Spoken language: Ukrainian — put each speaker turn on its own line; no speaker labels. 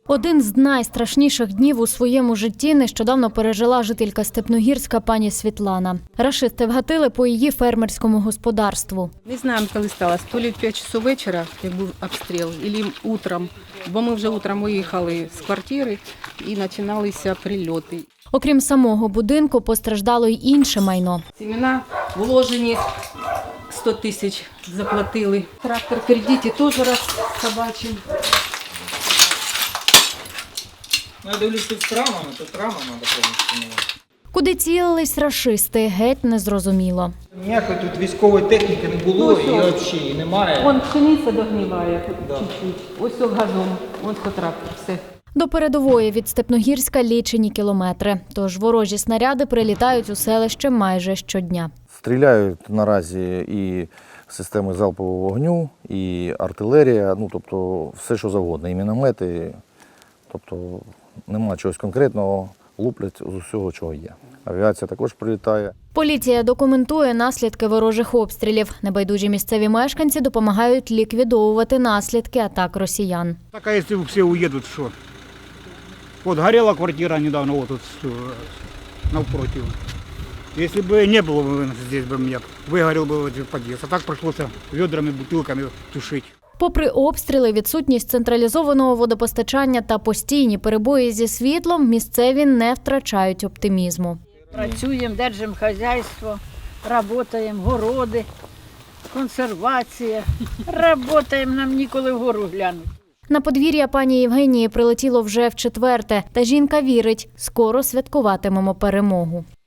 Один з найстрашніших днів у своєму житті нещодавно пережила жителька Степногірська пані Світлана. Рашисти вгатили по її фермерському господарству.
Не знаємо, коли сталося, то ли в 5 часов вечора, як був обстріл, або утром, бо ми вже утром виїхали з квартири і починалися прильоти.
Окрім самого будинку, постраждало й інше майно.
Семена вложені, 100 тисяч заплатили. Трактор в кредиті теж собачий.
Ну, я дивлюсь під травмами, то травмам треба повністю міняти.
Куди цілились рашисти, геть незрозуміло.
Ніякої тут військової техніки не було і взагалі її немає.
Вон пшениця догниває чуть-чуть. Ось газон, ось трактор, все.
До передової від Степногірська лічені кілометри, тож ворожі снаряди прилітають у селище майже щодня.
Стріляють наразі і системи залпового вогню, і артилерія, тобто все, що завгодно, і міномети, тобто нема чогось конкретного, луплять з усього, чого є. Авіація також прилітає.
Поліція документує наслідки ворожих обстрілів. Небайдужі місцеві мешканці допомагають ліквідовувати наслідки атак росіян.
Так, а если все уедут, что? Вот горела квартира недавно, вот тут напротив. Если бы не было бы здесь, бы меня выгорел бы этот подъезд. А так пришлось ведрами, бутылками тушить.
Попри обстріли, відсутність централізованого водопостачання та постійні перебої зі світлом, місцеві не втрачають оптимізму.
Працюємо, держимо хазяйство, працюємо, городи, консервація. Працюємо, нам ніколи вгору глянути.
На подвір'я пані Євгенії прилетіло вже вчетверте, та жінка вірить, скоро святкуватимемо перемогу.